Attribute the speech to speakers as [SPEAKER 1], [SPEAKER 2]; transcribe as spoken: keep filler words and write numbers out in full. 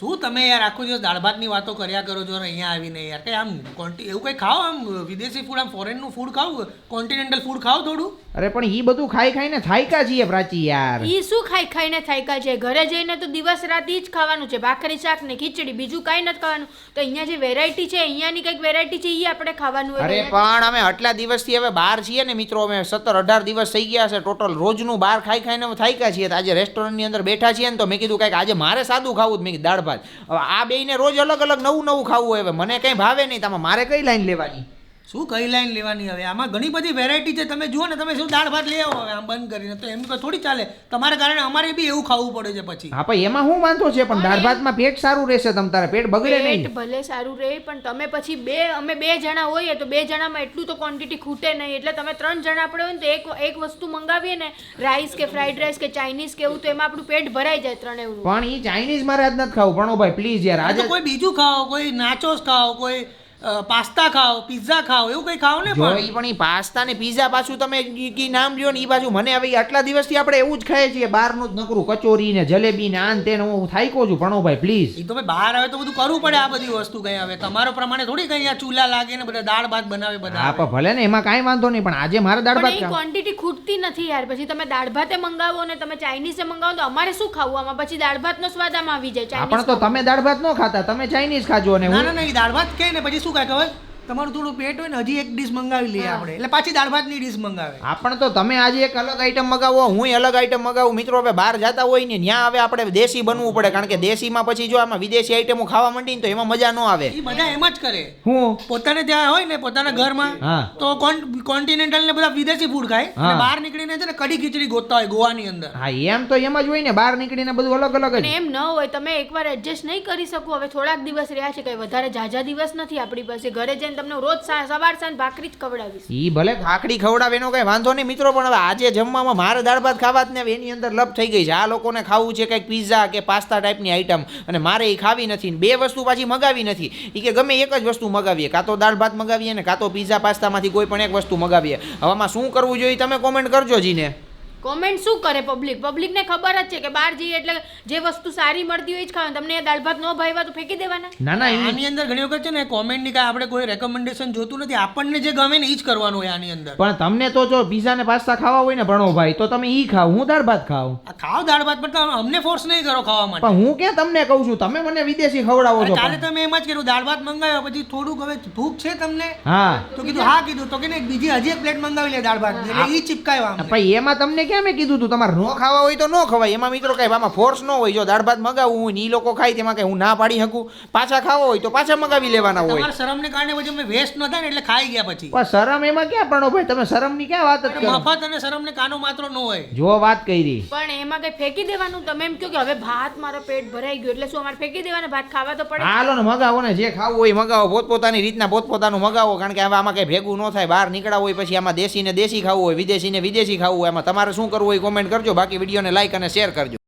[SPEAKER 1] શું તમે યાર આખો દિવસ દાળ ભાતની વાતો કર્યા કરો છો ને અહીંયા આવીને યાર કંઈ આમ કોન્ટી એવું કંઈ ખાઓ આમ વિદેશી ફૂડ આમ ફોરેનનું ફૂડ ખાઓ કોન્ટિનેન્ટલ ફૂડ ખાઓ થોડું.
[SPEAKER 2] અરે પણ ઈ બધું ખાઈ ખાઈને થાયકા છીએ પ્રાચી યાર.
[SPEAKER 3] ઈ શું ખાઈ ખાઈને થાયકા છે? ઘરે જઈને તો દિવસ રાત ઈ જ ખાવાનું છે, ભાખરી શાક ને ખીચડી, બીજું કાંઈ નથી ખાવાનું. તો અહીંયા જે વેરાયટી છે, અહીંયાની કંઈક વેરાયટી છે ઈ આપણે ખાવાનું હોય.
[SPEAKER 2] અરે પણ અમે આટલા દિવસથી હવે બહાર છીએ ને મિત્રો, અમે સત્તર અઢાર દિવસ થઈ ગયા છે ટોટલ, રોજનું બહાર ખાઈ ખાઈને અમે થાક્યા છીએ. આજે રેસ્ટોરન્ટની અંદર બેઠા છીએ ને તો મેં કીધું કાંઈક આજે મારે સાદું ખાવું જ, મેં કીધું દાળ ભાત. હવે આ બેયને રોજ અલગ અલગ નવું નવું ખાવું હોય, હવે મને કંઈ ભાવે નહીં. તમે મારે કઈ લાઈન લેવાની?
[SPEAKER 1] શું કઈ લાઈન લેવાની હવે? આમાં ઘણી બધી વેરાયટી છે, તમે જુઓ ને, તમે શું દાળ ભાત લઈ આવો હવે આમ બંધ કરીને, તો એમ થોડી ચાલે. તમારા કારણે અમારે બી એવું ખાવું પડે છે પછી.
[SPEAKER 2] હા પણ એમાં શું વાંધો છે? પણ દાળ ભાતમાં પેટ સારું રહેશે, તમ તારે પેટ બગડે નહીં.
[SPEAKER 3] પેટ ભલે સારું રહે, પણ તમે પછી બે અમે બે જણા હોઈએ તો બે જણામાં એટલું તો ક્વોન્ટિટી ખૂટે નહીં. એટલે તમે ત્રણ જણા આપણે હોય ને તો એક એક વસ્તુ મંગાવીએ ને, રાઈસ કે ફ્રાઈડ રાઈસ કે ચાઇનીઝ કે એવું, તો એમાં આપણું પેટ ભરાઈ જાય ત્રણે એવું.
[SPEAKER 2] પણ ઈ ચાઇનીઝ મારે આજ નથી ખાવું ભણો ભાઈ, પ્લીઝ યાર. આજે
[SPEAKER 1] કોઈ બીજું ખાઓ, કોઈ નાચોસ ખાઓ, કોઈ પાસ્તા ખાઓ, પિઝા ખાઓ, એવું કંઈ ખાઓ ને.
[SPEAKER 2] જો ઈ પણ ઈ પાસ્તા ને પિઝા પાછું તમે કી નામ લ્યો ને ઈ બાજુ મને હવે આટલા દિવસથી આપણે એવું જ ખાઈએ છીએ, બહારનું જ નકરું કચોરી ને જલેબી ને આન તે હું થાયકો છું ભણો ભાઈ પ્લીઝ.
[SPEAKER 1] એ તો ભાઈ બહાર આવે તો બધું કરવું પડે, આ બધી વસ્તુ કઈ આવે તમારો પ્રમાણે થોડી કઈ આ ચૂલા લાગે ને બધા દાળ ભાત બનાવે બધા.
[SPEAKER 2] હા પણ ભલે ને એમાં કાંઈ વાંધો નહીં, પણ આજે મારે દાળ ભાત ખાવા.
[SPEAKER 3] ક્વોન્ટિટી ખૂટતી નથી યાર. પછી તમે દાળ ભાતે મંગાવો ને તમે ચાઇનીઝે મંગાવો તો અમારે શું ખાવું? આમાં પછી દાળ ભાતનો સ્વાદ આમાં આવી જાય.
[SPEAKER 2] પણ તો તમે દાળ ભાત ન ખાતા, તમે ચાઇનીઝ ખાજો ને.
[SPEAKER 1] ના ના ના, દાળ ભાત કે ને પછી શું કાંઈ ખબર, તમારું થોડું પેટ હોય ને હજી એક ડીશ મંગાવી લઈએ આપણે, એટલે પાછી દાળ ભાતની ડીશ મંગાવે.
[SPEAKER 2] આપણ તો તમે આજે એક અલગ આઈટમ મગાવો, હું અલગ આઈટમ મગાવું. મિત્રો હવે બહાર જતા હોય ને ત્યાં હવે આપણે દેશી બનવું પડે, કારણ કે દેશીમાં પછી જો આમાં વિદેશી આઈટમો ખાવા માંડી ને તો એમાં મજા ન આવે.
[SPEAKER 1] એ બધા એમ જ કરે.
[SPEAKER 2] હું
[SPEAKER 1] પોતાને ત્યાં હોય ને પોતાના ઘરમાં તો કોન્ટિનેન્ટલ ને બધા વિદેશી ફૂડ ખાય, અને બહાર નીકળીને છે ને કઢી ખીચડી ગોતતા હોય ગોવાની અંદર.
[SPEAKER 2] હા એમ તો એમ જ હોય ને, બહાર નીકળીને બધું અલગ અલગ જ.
[SPEAKER 3] એમ ન હોય, તમે એકવાર એડજસ્ટ નહીં કરી શકો. હવે થોડાક દિવસ રહ્યા છે, કઈ વધારે ઝાઝા દિવસ નથી આપણી પાસે. ઘરે જઈને તમને રોજ સવાર સાંજ ભાખરી જ ખવડાવીશ.
[SPEAKER 2] ઈ ભલે ભાખરી ખવડાવે એનો કઈ વાંધો નહીં મિત્રો, પણ હવે આજે જમવામાં મારે દાળ ભાત ખાવા જ ને એની અંદર લપ થઈ ગઈ છે. આ લોકોને ખાવું છે કંઈક પિઝા કે પાસ્તા ટાઈપની આઈટમ, અને મારે એ ખાવી નથી. બે વસ્તુ પાછી મગાવી નથી. એ કે ગમે એક જ વસ્તુ મગાવીએ, કાં તો દાળ ભાત મગાવીએ ને કાં તો પિઝા પાસ્તામાંથી કોઈ પણ એક વસ્તુ મગાવીએ. હવામાં શું કરવું જોઈએ તમે કોમેન્ટ કરજો જીને.
[SPEAKER 3] કોમેન્ટ શું કરે પબ્લિક? પબ્લિકને ખબર જ છે કે બહાર જઈએ એટલે જે વસ્તુ સારી મળતી હોય જ ખાવાનું. તમને દાળ ભાત ન ભાવ્યા તો ફેંકી દેવાના.
[SPEAKER 2] ના ના,
[SPEAKER 1] આની અંદર ઘણી વખત છે ને કોમેન્ટ ની કાંઈ આપણે કોઈ રેકમેન્ડેશન જોતું નથી, આપણને જે ગમે ને એ જ કરવાનું હોય આની અંદર.
[SPEAKER 2] પણ તમને તો જો પિઝા ને પાસ્તા ખાવા હોય ને ભણો ભાઈ, તો તમે ઈ ખાવ, હું દાળ ભાત ખાવ.
[SPEAKER 1] ખાવ દાળ ભાત, પણ અમને ફોર્સ નહીં કરો ખાવા માટે.
[SPEAKER 2] પણ હું ક્યાં તમને કહું છું, તમે મને વિદેશી ખવડાવો છો.
[SPEAKER 1] કાલે તમે એમ જ કર્યું, દાળ ભાત મંગાવ્યો, પછી થોડુંક હવે ભૂખ છે તમને,
[SPEAKER 2] હા
[SPEAKER 1] તો કીધું હા કીધું તો કે બીજી હજી એક પ્લેટ મંગાવી લે દાળ ભાત, એટલે ઈ ચીપકાવ્યા.
[SPEAKER 2] ભાઈ એમાં તમને ક્યાં મેં કીધું તું તમારે નો ખાવા હોય તો નો ખવાય. એમાં મિત્રો કઈ આમાં ફોર્સ ન હોય. જો દાળ ભાત મગાવવું હોય ને ઈ લોકો ખાય તેમાં કઈ હું ના પાડી શકું? પાછા ખાવા હોય તો પાછા મગાવી લેવાના હોય.
[SPEAKER 1] તમારા શરમને કારણે પછી અમે વેસ્ટ ન થાય ને એટલે ખાઈ ગયા પછી.
[SPEAKER 2] પણ શરમ એમાં ક્યાં પડો ભાઈ, તમે શરમ ની ક્યાં વાત જ કરો?
[SPEAKER 1] મફત અને શરમ ને કાનો માત્ર ન હોય.
[SPEAKER 2] જો વાત કરી,
[SPEAKER 3] પણ એમાં કઈ ફેંકી દેવાનું? તમે એમ કહો કે હવે ભાત મારો પેટ ભરાઈ ગયું એટલે શું અમારે ફેંકી દેવાના? ભાત ખાવા તો પડે.
[SPEAKER 2] હાલો ને મગાવો ને, જે ખાવું હોય મગાવો, પોતપોતાની રીતના પોતપોતાનું મગાવો, કારણ કે હવે આમાં કઈ ભેગું ન થાય. બહાર નીકળ્યા હોય પછી આમાં દેશી ને દેશી ખાવું હોય, વિદેશી ને વિદેશી ખાવું હોય, એમાં તમારે શું કરવું હોય કોમેન્ટ કરજો. બાકી વિડીયોને લાઈક અને શેર કરજો.